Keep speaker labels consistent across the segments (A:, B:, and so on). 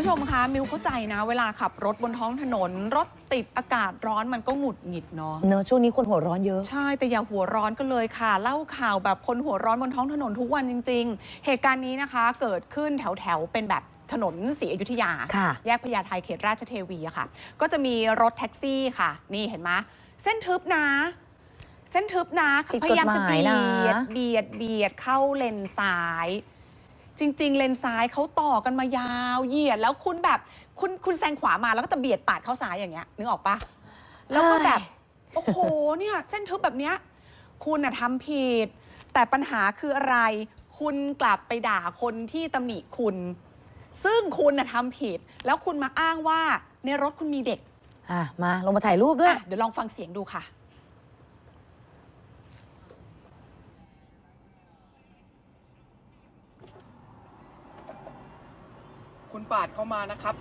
A: ชมคะมิวเข้าใจนะเวลาขับรถบนท้องถนนรถติดอากาศร้อนมันก็หงุดหงิดเนาะ
B: ช่วงนี้คนหัวร้อนเยอะ
A: ใช่แต่อย่าหัวร้อนกันเลยค่ะเล่าข่าวแบบคนหัวร้อนบนท้องถนนทุกวันจริงๆเหตุการณ์นี้นะคะเกิดขึ้นแถวเป็นแบบถนนศรีอยุธยาแยกพญาไทเขตราชเทวีอะค่ะก็จะมีรถแท็กซี่ค่ะนี่เห็นไหมเส้นทึบนะพยายามจะเบียดเข้าเลนซ้ายจริงๆเลนซ้ายเขาต่อกันมายาวเหยียดแล้วคุณแบบคุณแซงขวามาแล้วก็จะเบียดปาดเข้าซ้ายอย่างเงี้ยนึกออกปะแล้วก็แบบโอ้โหเนี่ยเส้นทึบแบบเนี้ยคุณน่ะทำผิดแต่ปัญหาคืออะไรคุณกลับไปด่าคนที่ตำหนิคุณซึ่งคุณน่ะทำผิดแล้วคุณมาอ้างว่าในรถคุณมีเด็ก
B: มาลงมาถ่ายรูปด้วย
A: เดี๋ยวลองฟังเสียงดูค่ะ
C: คุณปาดเข้ามานะครับ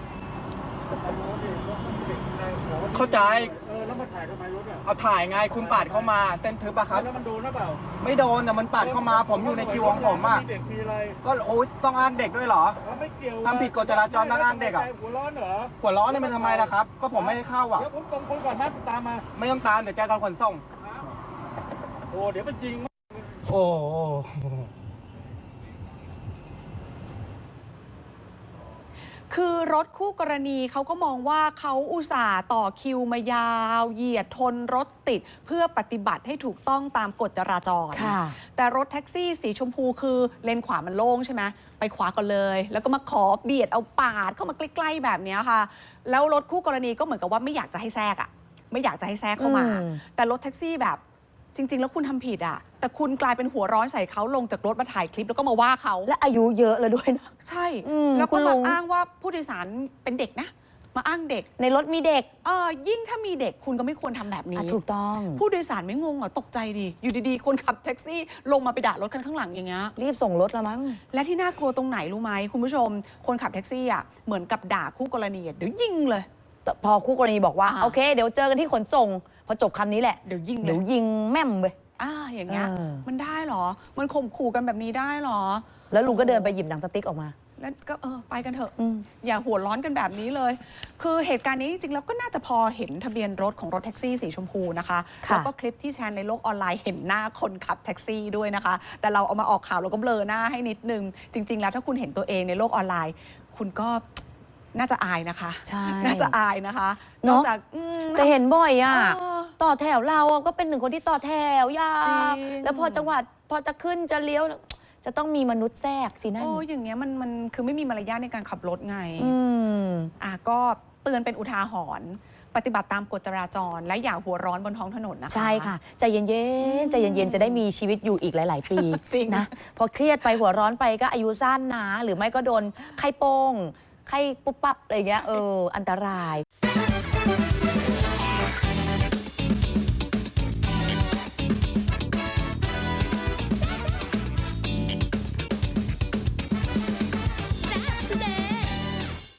C: เข้าใจ
D: แล้วมาถ่ายทำไมรถอ่ะ
C: เอาถ่ายไงคุณปาดเข้ามาเส้นทึบอะครับ
D: แล้วมันโดนหรือเปล่า
C: ไม่โดนแต่มันปาดเข้ามาผมอยู่ในคิวของผมอะ
D: เด็กมีอะไร
C: ก็โอ๊ยต้องอ้างเด็กด้วยเหรอ
D: ไม่เกี่ยว
C: ทำผิดกฎจราจรต้องอ้างเด็กอะ
D: หัวร้อนเหรอ
C: หัวร้อนนี่มันทำไมล่ะครับก็ผมไม่ได้เข้าอะ
D: เดี๋ยวผมส่งคนก่อนนะตามมา
C: ไม่ต้องตามเดี๋ยวแจ้งการขนส่ง
D: โอ้เดี๋ยวมันยิง
C: โอ้
A: คือรถคู่กรณีเขาก็มองว่าเขาอุตส่าห์ต่อคิวมายาวเหยียดทนรถติดเพื่อปฏิบัติให้ถูกต้องตามกฎจราจรแต่รถแท็กซี่สีชมพูคือเลนขวามันโล่งใช่ไหมไปขวาก่อนเลยแล้วก็มาขอเบียดเอาปาดเข้ามาใกล้ๆแบบนี้ค่ะแล้วรถคู่กรณีก็เหมือนกับว่าไม่อยากจะให้แทรกไม่อยากจะให้แทรกเข้ามาแต่รถแท็กซี่แบบจริงๆแล้วคุณทำผิดแต่คุณกลายเป็นหัวร้อนใส่เขาลงจากรถมาถ่ายคลิปแล้วก็มาว่าเขา
B: และอายุเยอะแล้วด้วยนะ
A: ใช่แล้วก็มาอ้างว่าผู้โดยสารเป็นเด็กนะมาอ้างเด็ก
B: ในรถมีเด็ก
A: ยิ่งถ้ามีเด็กคุณก็ไม่ควรทำแบบนี้
B: ถูกต้อง
A: ผู้โดยสารไม่งงเหรอตกใจดิอยู่ดีๆคนขับแท็กซี่ลงมาไปด่ารถคันข้างหลังอย่างเงี้ย
B: รีบส่งรถแล้วมั้ง
A: และที่น่ากลัวตรงไหนรู้ไหมคุณผู้ชมคนขับแท็กซี่เหมือนกับด่าคู่กรณีเดี๋ยวยิงเลย
B: พอคู่กรณีบอกว่าโอเคเดี๋ยวเจอกันที่ขนส่งพอจบคำนี้แหละ
A: เดี๋ยวยิง
B: แม่มเลย
A: อย่างเงี้ยมันได้หรอมันข่มขู่กันแบบนี้ได้หรอ
B: แล้วลุงก็เดินไปหยิบหนังสติ๊กออกมา
A: แล้วก็ไปกันเถอะอย่าหัวร้อนกันแบบนี้เลยคือเหตุการณ์นี้จริงๆแล้วก็น่าจะพอเห็นทะเบียนรถของรถแท็กซี่สีชมพูนะคะแล้วก็คลิปที่แชร์ในโลกออนไลน์เห็นหน้าคนขับแท็กซี่ด้วยนะคะแต่เราเอามาออกข่าวเราก็เบลอหน้าให้นิดนึงจริงๆแล้วถ้าคุณเห็นตัวเองในโลกออนไลน์คุณก็น่าจะอายนะคะ
B: ใช่
A: น่าจะอายนะคะนอกจาก
B: แต่เห็นบ่อยต่อแถวเราก็เป็นหนึ่งคนที่ต่อแถวยาวแล้วพอจังหวัดพอจะขึ้นจะเลี้ยวจะต้องมีมนุษย์แทรกสินั่น
A: อย่างเงี้ยมันคือไม่มีมารยาทในการขับรถไงก็เตือนเป็นอุทาหรณ์ปฏิบัติตามกฎจราจรและอย่าหัวร้อนบนท้องถนนนะคะ
B: ใช่ค่ะใจเย็นๆใจเย็นๆจะได้มีชีวิตอยู่อีกหลายๆปี
A: จริง
B: นะพอเครียดไปหัวร้อนไปก็อายุสั้นนะหรือไม่ก็โดนไข้โป้งไข้ปุ๊บปั๊บอะไรเงี้ยอันตราย